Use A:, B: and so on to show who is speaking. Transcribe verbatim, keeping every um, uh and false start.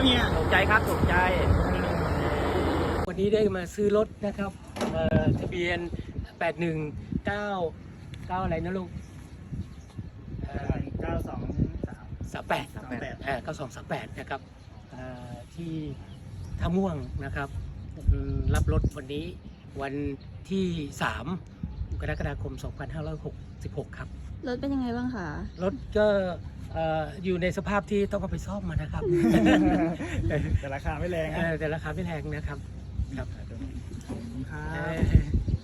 A: เฮีย
B: ถูกใจครับถูกใจ
C: วันนี้ได้มาซื้อรถนะครับเอ่อทะเบียนแปดหนึ่งเก้าเก้าอะไรนะลูก
A: เก้าสองสาม
C: สามแปด
A: สามแปด
C: เก้าสองสามแปดนะครับเอ่อที่ท่าม่วงนะครับอืมรับรถวันนี้วันที่สามกรกฎาคมสองพันห้าร้อยหกสิบหกครับ
D: รถเป็นยังไงบ้างคะ
C: รถก็เอ่ออยู่ในสภาพที่ต้องเอาไปซ่อมมานะครับ
A: แต่ราคาไม่แรง
C: เอ
A: นะ
C: อแต่ราคาไม่แพงนะครับครับ
A: ขอบคุณครั
C: เอ่
A: บ
C: อ